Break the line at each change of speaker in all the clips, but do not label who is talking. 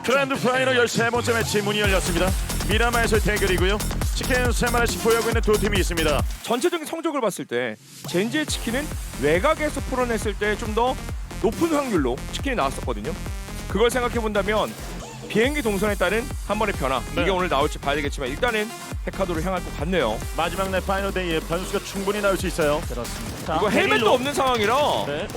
그랜드 파이널 13번째 매치 문이 열렸습니다. 미라마에서의 대결이고요. 치킨 3마리씩 보유하고 있는 두 팀이 있습니다.
전체적인 성적을 봤을 때 젠지의 치킨은 외곽에서 풀어냈을 때 좀 더 높은 확률로 치킨이 나왔었거든요. 그걸 생각해 본다면 비행기 동선에 따른 한 번의 변화
네.
이게 오늘 나올지 봐야 되겠지만 일단은 헤카도를 향할 것 같네요.
마지막 날 파이널 데이에 변수가 충분히 나올 수 있어요.
그렇습니다.
이거 헬멧도 없는 상황이라
네.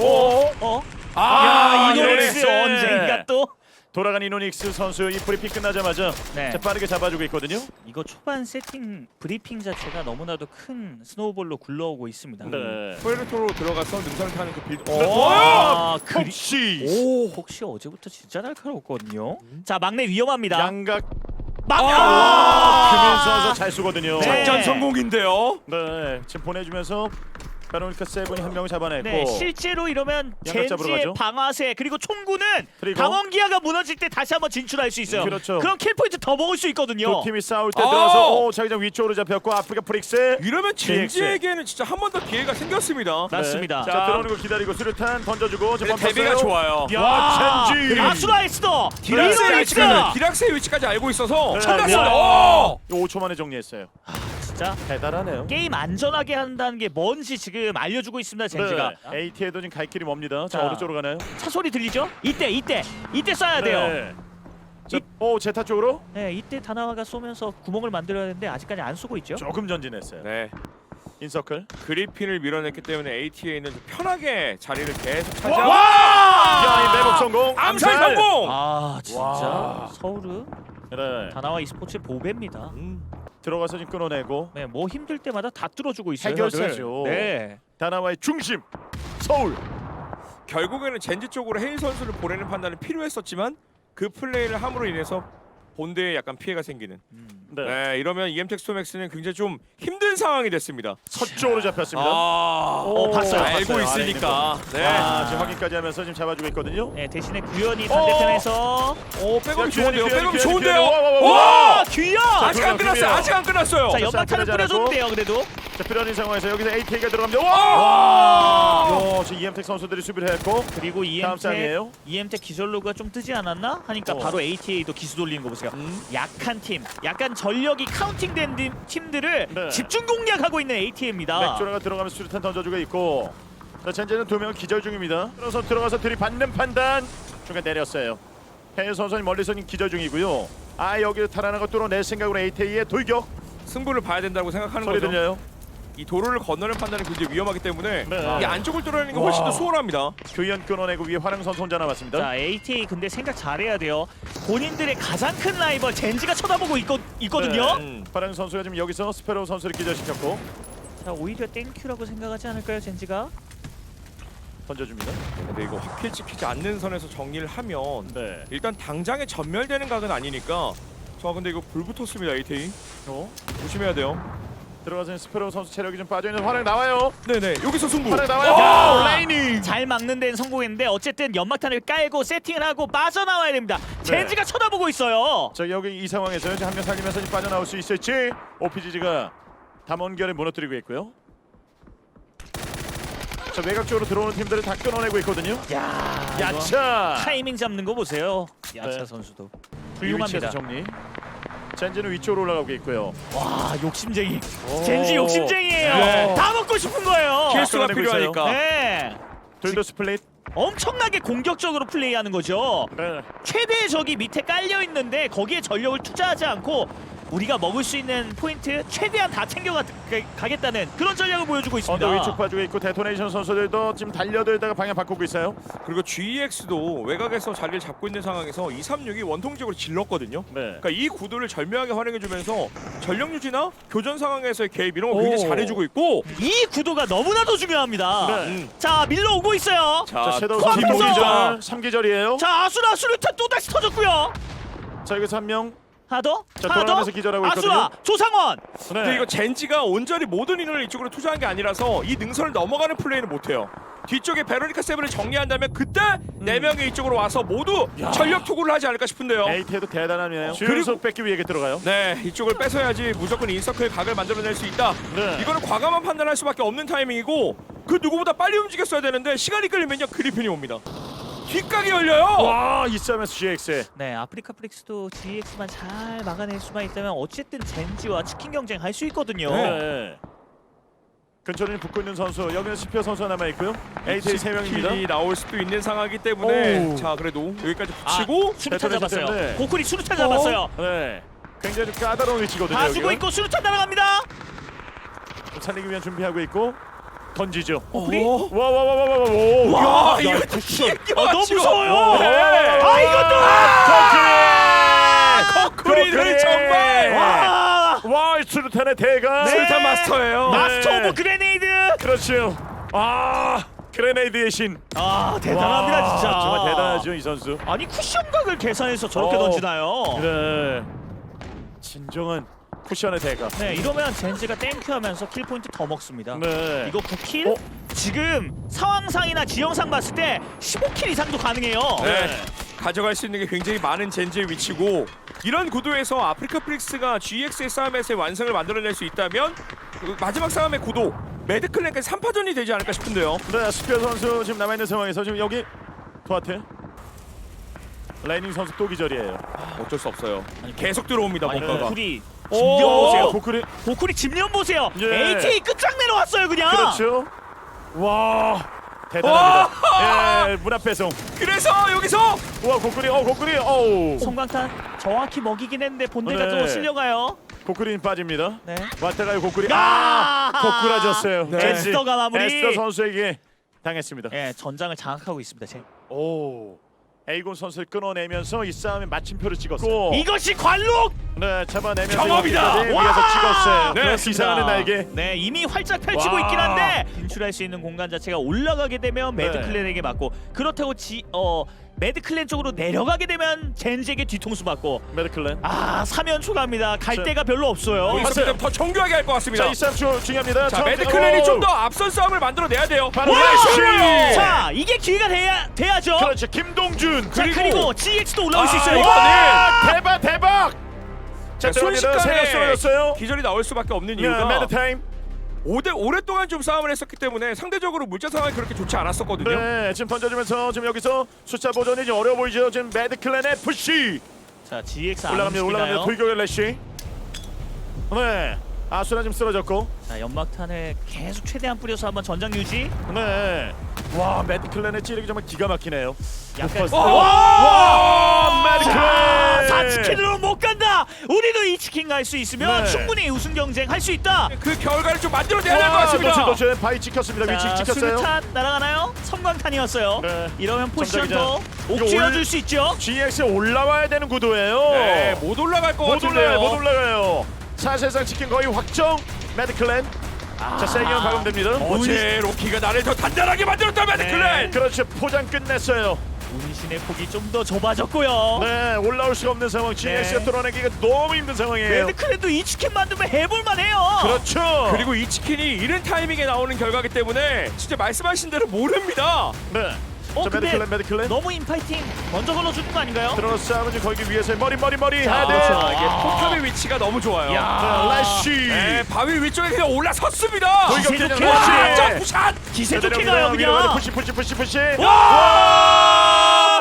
아,
이노닉스
이노닉스
언젠가 또.
돌아간 이노닉스 선수 이 브리핑 끝나자마자
네.
빠르게 잡아주고 있거든요.
이거 초반 세팅 브리핑 자체가 너무나도 큰 스노우볼로 굴러오고 있습니다.
네.
포에르토로 들어가서 능선을 타는 그 빌드.
아,
혹시
오, 혹시 어제부터 진짜 날카로웠거든요. 자, 막내 위험합니다.
양각
막
크면서 잘 쏘거든요.
네.
작전 성공인데요.
네, 지금 보내주면서 베로니카 세븐이 한 명을 잡아냈고
네, 실제로 이러면
양각 잡으러
젠지의
가죠.
방아쇠 그리고 총구는
그리고
강원기아가 무너질 때 다시 한번 진출할 수 있어요.
그렇죠.
그럼 킬 포인트 더 먹을 수 있거든요.
두 팀이 싸울 때 들어서 자기장 위쪽으로 잡혔고 아프리카 프릭스
이러면
GX.
젠지에게는 진짜 한 번 더 기회가 생겼습니다.
맞습니다.
자, 들어오는 거 기다리고 수류탄 던져주고
근데 데뷔가 좋아요.
와, 젠지
아수라이스도
디락스의
이노닉스
위치까지, 디락스의 위치까지 알고 있어서
네.
참났습니다.
네.
오!
5초 만에 정리했어요.
진짜
대단하네요.
게임 안전하게 한다는 게 뭔지 지금 알려주고 있습니다. 젠지가
AT에도 지금 갈 길이 멉니다. 자,
자.
어느 쪽으로 가나요?
차 소리 들리죠? 이때 쏴야 돼요.
네. 자, 오 제타 쪽으로
네, 이때 다나와가 쏘면서 구멍을 만들어야 되는데 아직까지 안 쏘고 있죠.
조금 전진했어요.
네,
인서클.
그리핀을 밀어냈기 때문에 ATA는 좀 편하게 자리를 계속
와!
차지하고
야, 이 매복 성공.
암살 성공!
아 진짜
와.
서울은
네.
다나와 e스포츠의 보배입니다.
들어가서 지금 끊어내고
네, 뭐 힘들 때마다 다 뚫어주고 있어요.
해결사죠.
다들. 네.
다나와의 중심 서울.
결국에는 젠지 쪽으로 헤일 선수를 보내는 판단이 필요했었지만 그 플레이를 함으로 인해서 본대에 약간 피해가 생기는.
네.
네, 이러면 EM텍 스톰엑스는 굉장히 좀 힘든 상황이 됐습니다.
서쪽으로 잡혔습니다.
봤어요.
알고
봤어요.
있으니까. 네.
아, 지금 확인까지 하면서 지금 잡아주고 있거든요.
네, 대신에 구현이 반대편에서
오, 백업이
야,
좋은데요.
귀환이,
백업이
귀환이,
좋은데요.
귀환이.
와!
귀현!
아직 안 끝났어요. 아직 안 끝났어요.
자, 연막탄을
자,
뿌려줬는데요. 그래도
자, 필요한 상황에서 여기서 AT가 들어갑니다.
와!
와! 지금 EM텍 선수들이 수비를 했고
그리고
다음 쌍이에요.
EM텍 기절 로그가 좀 뜨지 않았나 하니까 바로 ATA도 기수 돌리는 거 보세요. 약한 팀, 약간 전력이 카운팅된 팀들을
네.
집중 공략하고 있는 ATA입니다.
맥조라가 들어가면서 수류탄 던져주고 있고 자, 젠제는 두 명 기절 중입니다. 그래서 들어가서 들이받는 판단 중간 내렸어요. 해일 선수는 멀리서 기절 중이고요. 아, 여기를 탈환한 거 뚫어낼 생각으로 ATA의 돌격
승부를 봐야 된다고 생각하는
소리
거죠.
들려요.
이 도로를 건너는 판단이 굉장히 위험하기 때문에
네.
이 안쪽을 뚫어내는 게 훨씬 더
와.
수월합니다.
교현 끊어내고 위에 화랑선 혼자 남았습니다.
자, ATA 근데 생각 잘해야 돼요. 본인들의 가장 큰 라이벌 젠지가 쳐다보고 있거든요.
네. 화랑 선수가 지금 여기서 스페로 선수를 기절시켰고
자, 오히려 땡큐라고 생각하지 않을까요, 젠지가?
던져줍니다.
근데 이거 확킬 찍히지 않는 선에서 정리를 하면
네.
일단 당장에 전멸되는 각은 아니니까 저 근데 이거 불 붙었습니다. ATA 조심해야 돼요.
들어가서 스페로 선수 체력이 좀 빠져있는 화랑 나와요.
네네 여기서 승부.
화랑 나와요.
와!
레이니.
잘 막는 데는 성공했는데 어쨌든 연막탄을 깔고 세팅을 하고 빠져나와야 됩니다. 젠지가 쳐다보고 있어요.
자, 여기 이 상황에서 한 명 살리면서 빠져나올 수 있을지 OPGG가 담원결을 무너뜨리고 있고요. 자, 외곽 쪽으로 들어오는 팀들을 다 끊어내고 있거든요.
야, 이거
야차.
타이밍 잡는 거 보세요. 야차
네.
선수도
이
훌륭합니다.
위치에서 정리. 젠지는 위쪽으로 올라가고 있고요.
와, 욕심쟁이.
오.
젠지 욕심쟁이에요.
네.
다 먹고 싶은 거예요.
킬수가
끊어내고
필요하니까.
네.
둘도 스플릿.
엄청나게 공격적으로 플레이하는 거죠.
네.
최대의 적이 밑에 깔려 있는데 거기에 전력을 투자하지 않고 우리가 먹을 수 있는 포인트 최대한 다 챙겨가겠다는 그런 전략을 보여주고 있습니다.
언더 위쪽 봐주고 있고 데토네이션 선수들도 지금 달려들다가 방향 바꾸고 있어요.
그리고 GEX도 외곽에서 자리를 잡고 있는 상황에서 236이 원통적으로 질렀거든요.
네.
그러니까 이 구도를 절묘하게 활용해주면서 전력 유지나 교전 상황에서의 개입 이런 거 굉장히
오.
잘해주고 있고.
이 구도가 너무나도 중요합니다.
네.
자, 밀러 오고 있어요.
자, 섀도우
코앞에서!
선수 2기절, 3기절이에요.
자, 아수라 수류탄 또다시 터졌고요.
자, 여기서 한 명.
하나 더?
자,
하나 더?
돌아가면서 기절하고
아수라,
있거든요.
조상원.
근데 이거 젠지가 온전히 모든 인원을 이쪽으로 투자한 게 아니라서 이 능선을 넘어가는 플레이는 못해요. 뒤쪽에 베로니카 세븐을 정리한다면 그때 4명이 이쪽으로 와서 모두 전력 투구를 하지 않을까 싶은데요.
에이트도 대단하네요.
그리고-
그리고 뺏기 위해 들어가요.
네, 이쪽을 뺏어야지 무조건 인서클 각을 만들어낼 수 있다.
네.
이거는 과감한 판단할 수밖에 없는 타이밍이고 그 누구보다 빨리 움직였어야 되는데 시간이 끌리면요 그리핀이 옵니다. 뒷각이 열려요.
와이 싸움에서 GX.
네, 아프리카 프릭스도 GX만 잘 막아낼 수만 있다면 어쨌든 젠지와 치킨 경쟁 할 수 있거든요.
네. 근처에 붙고 있는 선수 여기는 스피어 선수가 남아 있고요. AT 3명입니다.
킬이 나올 수도 있는 상황이기 때문에
오우.
자 그래도 여기까지 붙이고
수류탄
데토네이션
잡았어요.
때문에.
고쿠리 수류탄 잡았어요.
네. 굉장히 좀 까다로운 위치거든요.
다 주고
여기가.
있고 수류탄 날아갑니다.
좀 살리기 위한 준비하고 있고 던지죠.
고쿠리?
와와와와와와.
와 이거
너무 무서워요.
네.
아, 이것도!
거꾸리를 정말
와 수류탄의 대가.
네.
술탄 마스터예요.
마스터 오브 그레네이드.
그렇죠. 아 그레네이드의 신.
아, 대단합니다
와,
진짜.
정말 대단하죠 이 선수.
아니 쿠션각을 계산해서 저렇게 던지나요?
네. 진정한 쿠션의 대가.
네, 이러면 젠지가 땡큐하면서 킬 포인트 더 먹습니다.
네.
이거 9킬? 지금 상황상이나 지형상 봤을 때 15킬 이상도 가능해요.
네. 가져갈 수 있는 게 굉장히 많은 젠지의 위치고 이런 구도에서 아프리카 프릭스가 GX의 싸움에서의 완성을 만들어낼 수 있다면 그 마지막 싸움의 구도 매드클랜까지 3파전이 되지 않을까 싶은데요.
네, 스피어 선수 지금 남아 있는 상황에서 지금 여기 도하트. 라이닝 선수 또 기절이에요.
어쩔 수 없어요. 계속 들어옵니다
아니,
뭔가가.
고쿠리
오!
집념 보세요.
고쿠리.
고쿠리 집념 보세요.
예.
AT 끝장 내려왔어요 그냥.
그렇죠. 와 대단합니다. 예, 문 앞 배송.
그래서 여기서
와 고쿠리. 고쿠리. 어우.
성광탄 정확히 먹이긴 했는데 본대가
네.
또 실려가요.
고쿠리는 빠집니다.
네.
왔다가요 고쿠리.
야!
고꾸라졌어요.
네.
젠지.
에스더가 마무리.
에스더 선수에게 당했습니다.
예, 전장을 장악하고 있습니다.
오. 에이곤 선수를 끊어내면서 이 싸움에 마침표를 찍었고.
이것이 관록.
네, 잡아내면서
경험이다!
여기까지
와!
위에서 찍었어요.
네,
기사하는 날개.
네, 이미 활짝 펼치고
와.
있긴 한데 진출할 수 있는 공간 자체가 올라가게 되면
네.
매드클랜에게 맞고 그렇다고 매드클랜 쪽으로 내려가게 되면 젠지에게 뒤통수 맞고
메드클랜.
사면 초과합니다. 갈
자.
데가 별로 없어요.
봤어요.
여기서 더 정교하게 할 것 같습니다.
자, 이 싸움 중요합니다.
자, 매드클랜이 좀 더 앞선 싸움을 만들어내야 돼요.
바로
와!
라이시!
자, 이게 기회가 돼야죠.
그렇죠. 김동준.
자, 그리고 GX도 올라올 수 있어요.
와! 대박. 자, 들어갑니다. 세력
순식간에
쏘였어요.
기절이 나올 수밖에 없는
네,
이유가
매드 타임.
오랫동안 좀 싸움을 했었기 때문에 상대적으로 물자 상황이 그렇게 좋지 않았었거든요.
네, 지금 던져주면서 지금 여기서 숫자 보존이 좀 어려워 보이죠. 지금 매드클랜의 푸시
자, GX 안
올라갑니다.
움직이나요?
돌격의 래시. 네, 아수라 지금 쓰러졌고.
자, 연막탄을 계속 최대한 뿌려서 한번 전장 유지.
네, 와 매드클랜의 찌르기 정말 기가 막히네요.
약간
와, 매드클랜.
4치킨으로 못 간다. 우리도 이 치킨 갈 수 있으면
네.
충분히 우승 경쟁 할 수 있다.
그 결과를 좀 만들어내야 될 것 같습니다.
도체 바위 찍혔습니다. 위치
자,
찍혔어요.
수류탄 날아가나요? 성광탄이었어요.
네.
이러면 포지션 더
이거
옥죄어줄 수 있죠.
GX에 올라와야 되는 구도예요.
네, 못 올라갈 것 같은데요.
못 올라가요. 사실상 치킨 거의 확정. 매드클랜. 자, 세기형 가공됩니다.
어제 로키가 나를 더 단단하게 만들었다 매드클랜.
그렇죠. 포장 끝냈어요.
운신의 폭이 좀 더 좁아졌고요.
네, 올라올 수가 없는 상황. GX가 뚫어내기가 너무 힘든 상황이에요.
매드클랜도 이 치킨 만들면 해볼만 해요.
그렇죠.
그리고 이 치킨이 이른 타이밍에 나오는 결과기 때문에 진짜 말씀하신 대로 모릅니다.
네. 자,
근데
매드클랜.
너무 인파이팅 먼저 걸러주는 거 아닌가요?
들어서 싸움은 지금 거기 위에서 머리
자,
해야 돼.
그렇죠.
이게 포탑의 위치가 너무 좋아요.
래쉬.
네, 바위 위쪽에 그냥 올라섰습니다.
기세 좋게
와,
가요.
점프샷.
기세 좋게 가요 그냥.
푸시.
와!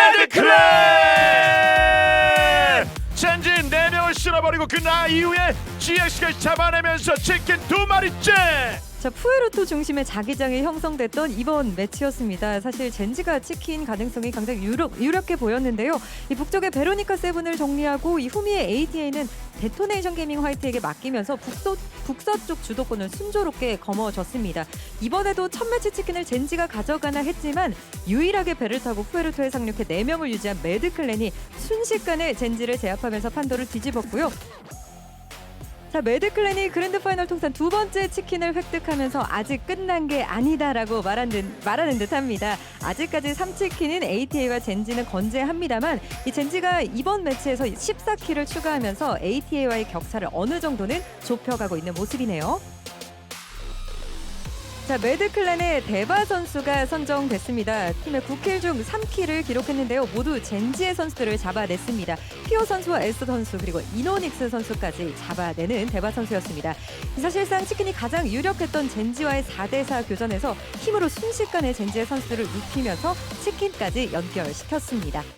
매드클랜! 젠지 4명을 쓸어버리고 그 이후에 GX가 잡아내면서 치킨 2마리째!
자, 푸에르토 중심의 자기장이 형성됐던 이번 매치였습니다. 사실 젠지가 치킨 가능성이 굉장히 유력해 보였는데요. 이 북쪽의 베로니카 세븐을 정리하고 이 후미의 ATA는 데토네이션 게이밍 화이트에게 맡기면서 북서쪽 주도권을 순조롭게 거머쥐었습니다. 이번에도 첫 매치 치킨을 젠지가 가져가나 했지만 유일하게 배를 타고 푸에르토에 상륙해 4명을 유지한 매드클랜이 순식간에 젠지를 제압하면서 판도를 뒤집었고요. 자, 매드클랜이 그랜드 파이널 통산 2번째 치킨을 획득하면서 아직 끝난 게 아니다라고 말하는 듯합니다. 아직까지 3치킨인 ATA와 젠지는 건재합니다만 이 젠지가 이번 매치에서 14킬을 추가하면서 ATA와의 격차를 어느 정도는 좁혀가고 있는 모습이네요. 자, 매드클랜의 데바 선수가 선정됐습니다. 팀의 9킬 중 3킬을 기록했는데요. 모두 젠지의 선수들을 잡아냈습니다. 피오 선수와 에스 선수 그리고 이노닉스 선수까지 잡아내는 데바 선수였습니다. 사실상 치킨이 가장 유력했던 젠지와의 4대4 교전에서 힘으로 순식간에 젠지의 선수들을 눕히면서 치킨까지 연결시켰습니다.